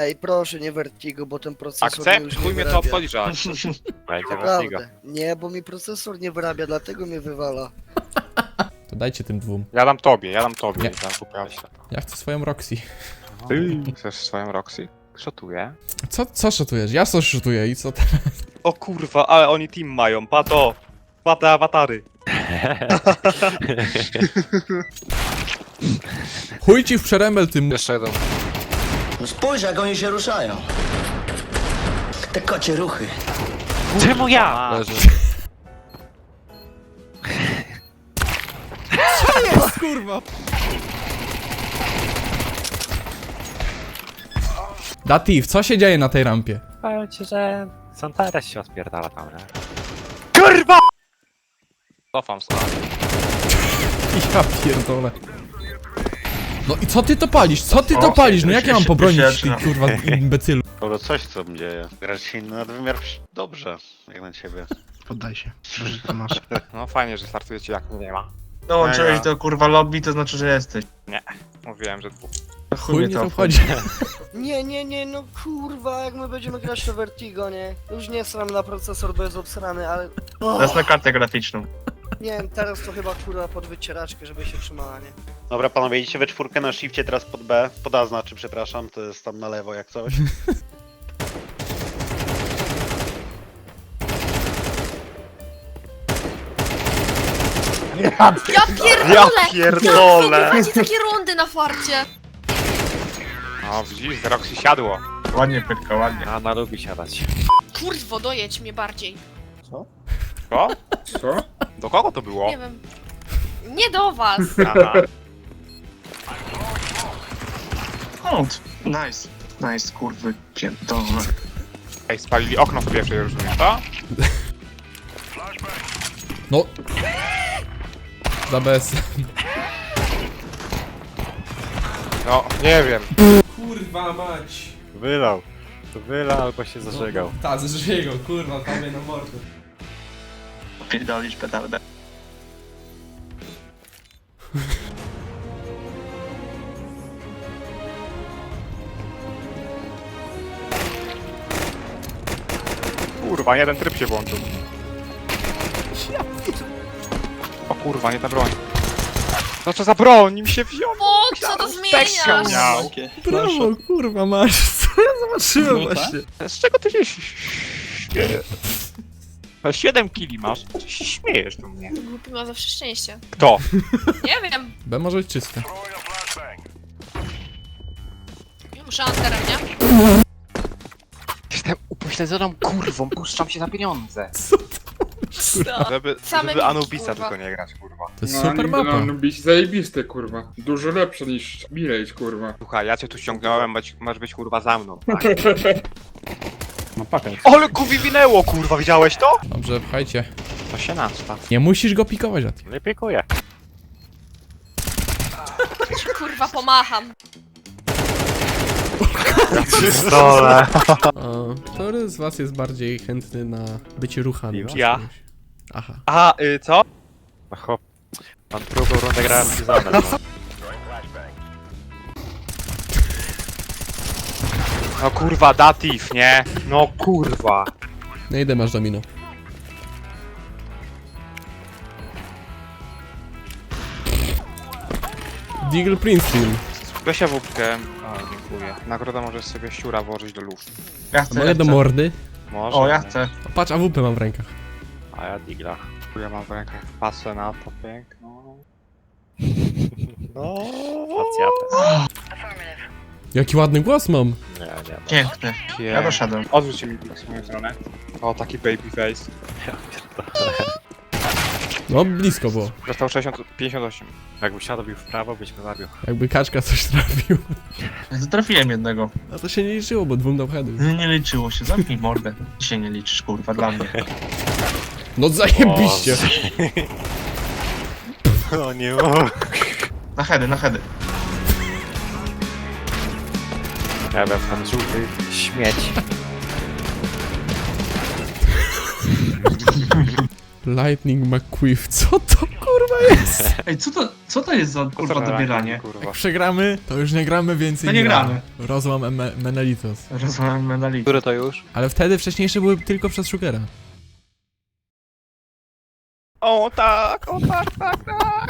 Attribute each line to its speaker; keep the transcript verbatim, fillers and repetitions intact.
Speaker 1: Ej, proszę, nie Vertigo, bo ten procesor
Speaker 2: Akcept?
Speaker 1: mi już nie
Speaker 2: Chuj mnie to
Speaker 1: wyrabia.
Speaker 2: obchodzi, że
Speaker 3: Będzie Vertigo.
Speaker 1: Naprawdę. Nie, bo mi procesor nie wyrabia, dlatego mnie wywala.
Speaker 4: To dajcie tym dwóm.
Speaker 2: Ja dam tobie, ja dam tobie.
Speaker 4: Nie.
Speaker 2: Ja kupię.
Speaker 4: Ja chcę swoją Roxy.
Speaker 2: Ty chcesz swoją Roxy? Szotuję.
Speaker 4: Co, co szutujesz? Ja co szutuję i co teraz?
Speaker 2: O kurwa, ale oni team mają, pato! Pate awatary.
Speaker 4: Chuj ci w przerembel tym...
Speaker 2: Jeszcze jeden.
Speaker 5: No spójrz, jak oni się ruszają. Te kocie ruchy.
Speaker 3: Czemu ja?
Speaker 2: Leży.
Speaker 4: Kurwa! Datif, co się dzieje na tej rampie?
Speaker 3: Powiem ci, że Santares się odpierdala tam, nie?
Speaker 2: Kurwa! Cofam sobie.
Speaker 4: Ja pierdolę. No i co ty to palisz? Co ty to
Speaker 6: O,
Speaker 4: palisz? No jak ja mam
Speaker 6: się-
Speaker 4: pobronić
Speaker 6: się
Speaker 4: tych
Speaker 6: zaczyna.
Speaker 4: kurwa imbecylu?
Speaker 7: Skoro coś co mnie dzieje. Grać się na nadwymiar przy- dobrze, jak na ciebie.
Speaker 6: Poddaj się. Może to masz.
Speaker 2: No fajnie, że startujecie jak mnie nie ma.
Speaker 6: Dołączyłeś
Speaker 2: Mega.
Speaker 6: do kurwa lobby, to znaczy, że jesteś.
Speaker 2: Mówiłem, że dwóch.
Speaker 4: Chuj mnie to obchodzi.
Speaker 1: Nie, nie, nie, no kurwa, jak my będziemy grać to Vertigo, nie? Już nie sram na procesor, bo jest obsrany, ale...
Speaker 6: Teraz na kartę graficzną.
Speaker 1: Nie wiem, teraz to chyba kurwa pod wycieraczkę, żeby się trzymała, nie?
Speaker 7: Dobra panowie, idziecie we czwórkę na shifcie teraz pod B. Pod A znaczy, przepraszam, to jest tam na lewo jak coś.
Speaker 8: Ja pierdolę!
Speaker 2: Ja pierdolę!
Speaker 8: Jak wy macie takie rundy na farcie?
Speaker 2: No widzisz, z Roxy siadło.
Speaker 6: Ładnie pyrka, ładnie.
Speaker 3: A ona lubi siadać.
Speaker 8: Kurwo, dojedź mnie bardziej.
Speaker 2: Co?
Speaker 6: Co?
Speaker 2: Do kogo to było?
Speaker 8: Nie wiem. Nie do was!
Speaker 2: Aha.
Speaker 6: Kąt. Nice. Nice, kurwy. Pierdolę.
Speaker 2: Ej, spalili okno w pierwszej, rozumiem, to?
Speaker 4: No. Za bez.
Speaker 2: No, nie wiem.
Speaker 4: Kurwa mać.
Speaker 3: Wylał. Wylał albo się zażegał.
Speaker 4: Ta, zżygał, kurwa, tobie na mordę.
Speaker 6: Pierdolisz petardę.
Speaker 2: Kurwa, jeden tryb się włączył. O kurwa, nie ta broń. No co za broń, nim się wziął.
Speaker 8: O, co to
Speaker 2: Specjal
Speaker 8: zmieniasz?
Speaker 2: miał.
Speaker 4: Brawo, kurwa masz. Co ja zobaczyłem właśnie?
Speaker 2: Z czego ty się śmiejesz? siedem kili masz? Czy się śmiejesz do mnie?
Speaker 8: Głupi ma zawsze szczęście.
Speaker 2: Kto?
Speaker 8: Nie wiem.
Speaker 4: B może być czyste.
Speaker 8: Ja muszę anterem, nie?
Speaker 2: Jestem upośledzoną kurwą, puszczam się za pieniądze.
Speaker 8: Co?
Speaker 2: Żeby,
Speaker 8: Same
Speaker 2: żeby
Speaker 8: niki,
Speaker 2: Anubisa
Speaker 8: kurwa.
Speaker 2: tylko nie grać, kurwa.
Speaker 4: To jest super mapa.
Speaker 9: No, być zajebiste, kurwa. Dużo lepsze niż Mirage, kurwa.
Speaker 2: Słuchaj, ja cię tu ściągnąłem, masz, masz być kurwa za mną. Tak?
Speaker 3: No pakę.
Speaker 2: Ale kuwi winęło, kurwa, widziałeś to?
Speaker 4: Dobrze, pchajcie.
Speaker 2: To się nastaw.
Speaker 4: Nie musisz go pikować, Datif.
Speaker 3: Nie piekuję.
Speaker 8: Ci kurwa pomacham.
Speaker 3: Dole.
Speaker 4: A, który z was jest bardziej chętny na bycie ruchanym? przez
Speaker 2: Ja.
Speaker 4: kogoś? Aha.
Speaker 2: A, y, co?
Speaker 3: No hop. Mam drugą rundę grałem z Seasonem. No.
Speaker 2: No kurwa, datif, nie? No kurwa.
Speaker 4: No idę masz domino. Deagle Princeton.
Speaker 2: Weź ja wódkę. O, dziękuję. Nagroda możesz sobie siura włożyć do luf.
Speaker 6: Ja chcę,
Speaker 4: Mogę
Speaker 6: ja
Speaker 4: do
Speaker 6: chcę.
Speaker 4: mordy?
Speaker 2: Może.
Speaker 6: O, ja chcę.
Speaker 4: O, patrz, A W P mam w rękach.
Speaker 3: A ja digla.
Speaker 2: Ja mam w rękach pasę na to piękno.
Speaker 3: No. Facjatę.
Speaker 4: Jaki ładny głos mam.
Speaker 3: Nie, nie. No.
Speaker 6: Piękny. Ja doszedłem.
Speaker 2: Odwróć mi w moją stronę. O, taki baby face.
Speaker 4: No, blisko było.
Speaker 2: Dostał sześćdziesiąt, pięćdziesiąt osiem.
Speaker 3: Jakby siadł w prawo, byś go zabił.
Speaker 4: Jakby kaczka coś trafił.
Speaker 6: Zatrafiłem jednego.
Speaker 4: A to się nie liczyło, bo dwóm dał heady.
Speaker 6: Nie, nie liczyło się, zamknij mordę. Ty się nie liczysz, kurwa, dla mnie.
Speaker 4: No zajebiście.
Speaker 3: O nie mogę.
Speaker 6: Na hedy, na hedy.
Speaker 3: Ja wiem, tam żółty śmieć.
Speaker 4: Lightning McQuiff, co to kurwa jest?
Speaker 6: Ej, co to, co to jest za kurwa dobieranie?
Speaker 3: Kurwa.
Speaker 4: Jak przegramy, to już nie gramy więcej.
Speaker 6: To nie gramy.
Speaker 4: Rozłam em- Menelitos.
Speaker 6: Rozumiem medalikę.
Speaker 3: Który to już?
Speaker 4: Ale wtedy wcześniejsze były tylko przez Sugera.
Speaker 2: O tak, o tak, tak, tak.